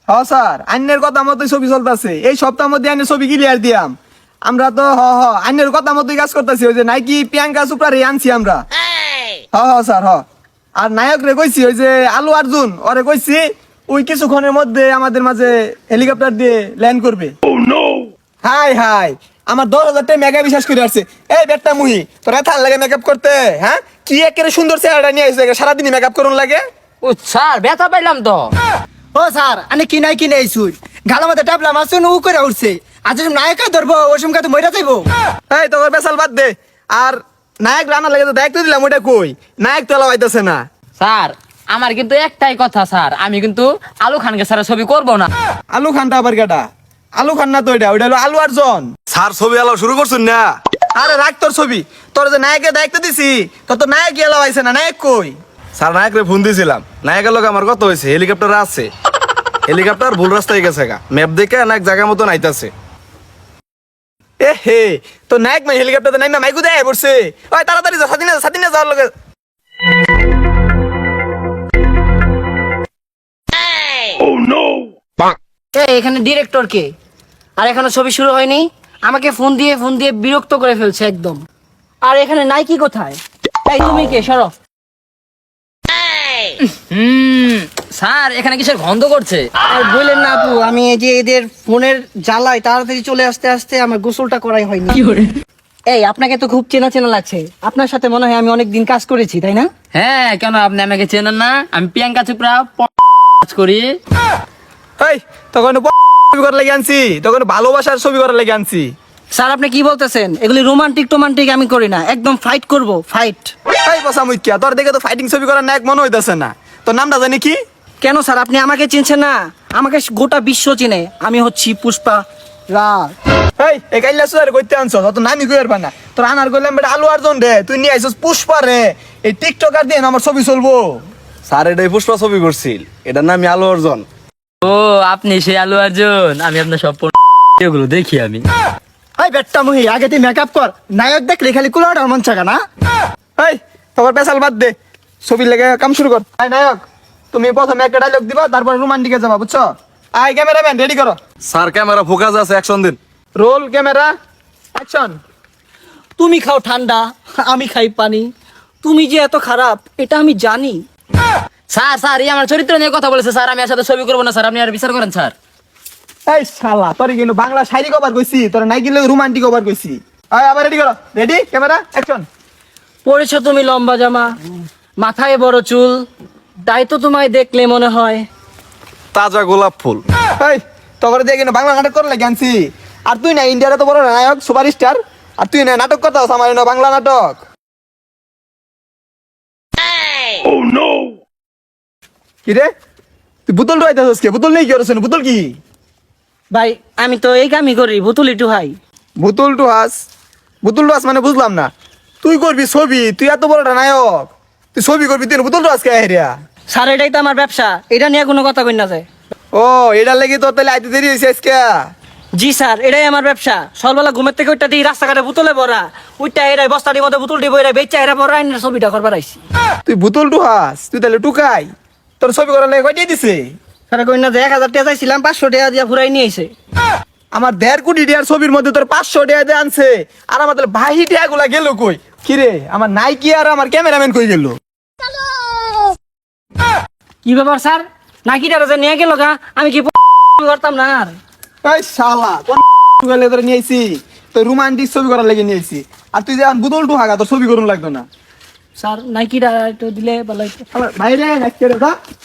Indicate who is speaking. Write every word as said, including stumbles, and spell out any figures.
Speaker 1: হ স্যার আইনের কথা মতোই ছবি চলতেছে, এই সপ্তাহের মধ্যে আইনের ছবি ক্লিয়ার দিয়াম। আমরা তো হ হ আইনের কথা মতোই কাজ করতেছি, ওই যে নাইকি প্রিয়াঙ্কা চোপড়া রে আনছি আমরা। হ হ স্যার হ। আর নায়ক রে কইছি ওই যে আলু অর্জুন ওরে কইছি ওই কিছুক্ষণের মধ্যে আমাদের মাঝে হেলিকপ্টার দিয়ে ল্যান্ড করবে। হাই হাই আমার দশ হাজার টাকা মেগা বিশ্বাস করে আসছে। এই বেটা মুহি তোর এত লাগে মেকআপ করতে, হ্যাঁ কি একেবারে সুন্দর চেহারাটা নিয়ে আসছে, সারাদিনই মেকআপ করুন লাগে।
Speaker 2: ও স্যার ব্যথা পাইলাম তো।
Speaker 3: ও স্যার আমি কিনাই কিনে আইছুই গালার মধ্যে টাপলা মারছুন উ করে উঠছে, আজ নায়ক ধরবো ওই সময় তো মইরা যাইবো।
Speaker 1: এই তোর বেসাল বাদ দে। আর নায়ক রান্না লাগে তো দায়িত্ব দিলাম, ওইটা কই নায়ক তো লাগাইতেছে না।
Speaker 2: স্যার আমার কিন্তু একটাই কথা স্যার, আমি কিন্তু আলু খানকে স্যার ছবি করব না।
Speaker 1: আলু খানটা আবার কেটা? আলু খান না তো ওইটা, ওইটা হলো আলু অর্জন।
Speaker 4: স্যার ছবি আলো শুরু করছুন না?
Speaker 1: আরে রাখ তোর ছবি, তোর যে নায়কের দায়িত্ব দিছি তোর তো নায়ক এলাও আইছে না, নায়ক কই?
Speaker 4: স্যার নায়করে ফোন দিয়েছিলাম, নায়কের লোক আমার কত হয়েছে, হেলিকপ্টার আছে, হেলিকপ্টার ভুল রাস্তায় গেছে গা, ম্যাপ দেখে নায়ক জায়গা মতন আইতাছে।
Speaker 1: এ হে তো নায়ক মাই হেলিকপ্টারে নাইমা মাইকু দেয় পড়ছে। ওই তাড়াতাড়ি যা, সাদিনা সাদিনা যাওয়ার লগে।
Speaker 3: এই এখানে ডিরেক্টর কে? আর এখনো ছবি শুরু হয়নি, আমাকে ফোন দিয়ে ফোন দিয়ে বিরক্ত করে ফেলছে একদম। আর এখানে নাইকি কোথায়? এই তুমি কে? সরো।
Speaker 2: হুম স্যার এখানে কিসের গন্ধ করছে?
Speaker 3: আর বললেন না আপু, আমি এই যে এদের ফোনের জ্বালায় তাড়াতাড়ি চলে আসতে আসতে আমার গোসলটা করাই হয়নি। এই আপনাকে তো খুব চেনা চেনা লাগছে, আপনার সাথে মনে হয় আমি অনেক দিন কাজ করেছি তাই না?
Speaker 2: হ্যাঁ কেন আপনি আমাকে চেনেন না? আমি প্রিয়াঙ্কা চোপড়া কাজ করি।
Speaker 1: এই তখন ছবি করার লাগে আনছি, তখন ভালোবাসার ছবি করার লাগে আনছি।
Speaker 3: স্যার আপনি কি বলতেছেন? এগুলি রোমান্টিক টোমান্টিক আমি করি না, একদম ফাইট করব, ফাইট।
Speaker 1: এই বসা মুইকিয়া তোর দেখে তো ফাইটিং ছবি করার নায়ক মনে হইতাছে না। তোর নামটা জানি কি?
Speaker 3: কেন স্যার আপনি আমাকে চিনছেন না? আমাকে গোটা বিশ্ব চিনে, আমি হচ্ছি পুষ্পা রাজ।
Speaker 1: এই এই কাইলা সুয়ার কইতে আনছস, অত নামি কইর পানা। তোর আনার কইলাম বেটা আলু অর্জন রে, তুই নিয়ে আইছস পুষ্পা রে। এই টিকটকার দিয়ে আমার ছবি চলবো।
Speaker 4: স্যার এটাই পুষ্পা ছবি করছিল, এটার নাম আলো অর্জন।
Speaker 2: ও আপনি সেই আলু অর্জুন, আমি আপনার সব গুলো দেখি আমি।
Speaker 3: এই বেটটা মুহি আগে তুই মেকআপ কর, নায়ক দেখলে খালি কুলাটার মন চাকা না।
Speaker 1: এই তোর পেশাল বাদ দে, ছবির লেগে কাম শুরু কর। আই নায়ক তুমি প্রথমে একটা ডায়লগ দিবা, তারপর রোমান্টিকে যাবা, বুঝছো? আই ক্যামেরাম্যান রেডি করো।
Speaker 4: স্যার ক্যামেরা ফোকাস আছে, অ্যাকশন দিন।
Speaker 1: Roll camera action.
Speaker 3: তুমি খাও ঠান্ডা, আমি খাই পানি, তুমি যে এত খারাপ এটা আমি জানি।
Speaker 2: স্যার স্যার এই আমার চরিত্র নিয়ে কথা বলেছে স্যার, আমি এর সাথে ছবি করবো না স্যার, আপনি আর বিচার করেন স্যার।
Speaker 1: এই শালা তোর কিন্তু বাংলা শায়রি কভার কইছি, তোর নাইকি লগে রোমান্টিক কভার কইছি। আই আবার রেডি করো, রেডি ক্যামেরা অ্যাকশন।
Speaker 3: পরেছো তুমি লম্বা জামা, মাথায় বড় চুল, তাই তো তোমায় দেখলে মনে হয়।
Speaker 4: তাজা গোলাপ ফুল।
Speaker 1: এই তোর দিয়ে কিন্তু বাংলা নাটক করার লাগে আনছি। আর তুই না ইন্ডিয়ার তো বড় নায়ক সুপার স্টার, আর তুই না নাটক করতে হস আমার না বাংলা নাটক। কি রে তুই বোতল রইতাছস কে? বোতল নেই কি করছ? বোতল কি?
Speaker 3: ভাই আমি তো এই কামই করি, বুতুল একটু ভাই।
Speaker 1: বোতল টু হাস, বোতল টু হাস মানে বুঝলাম না। তুই করবি ছবি, তুই এত বড় নায়ক, তুই ছবি করবি, তুই বোতল টু হাস কে হেরিয়া?
Speaker 3: স্যার এটাই তো আমার ব্যবসা, এটা নিয়ে কোনো কথা কই না যায়।
Speaker 1: ও এটার লাগি তোর তাহলে আইতে দেরি হয়েছে আজকে?
Speaker 3: জি স্যার এটাই আমার ব্যবসা, সকালবেলা ঘুমের থেকে ওইটা দিই রাস্তাঘাটে বোতলে ভরা, ওইটা এরাই বস্তাটির মধ্যে বোতল দিব, এরা বেচা এরা ভরা আইনের ছবিটা করবার আইছি।
Speaker 1: তুই বোতল টু হাস, তুই তাহলে টুকাই তোর ছবি করার লাগে কয়টাই দিছে?
Speaker 3: স্যার কই না যে এক হাজার টাকা চাইছিলাম, পাঁচশো টাকা দিয়া ফুরাই নিয়ে আইছে।
Speaker 1: আমার দেড় কোটি টাকার ছবির মধ্যে তোর পাঁচশো টাকা দিয়ে আনছে, আর আমার তাহলে বাহি টাকা গুলা গেল কই? কিরে আমার নাইকি আর আমার ক্যামেরাম্যান কই গেল?
Speaker 3: কি ব্যাপার স্যার, নাকি টাকা যে নিয়ে গেল গা, আমি কি করতাম না? আর
Speaker 1: এই শালা কোন গেলে তোর নিয়ে আইছি, তোর রোমান্টিক ছবি করার লাগে নিয়ে আইছি, আর তুই যে এখন বোতল টু হাগা তোর ছবি করুন লাগতো না।
Speaker 3: স্যার নাইকিটা একটু দিলে ভালো হইতো।
Speaker 1: শালা বাইরে নাকি রে দা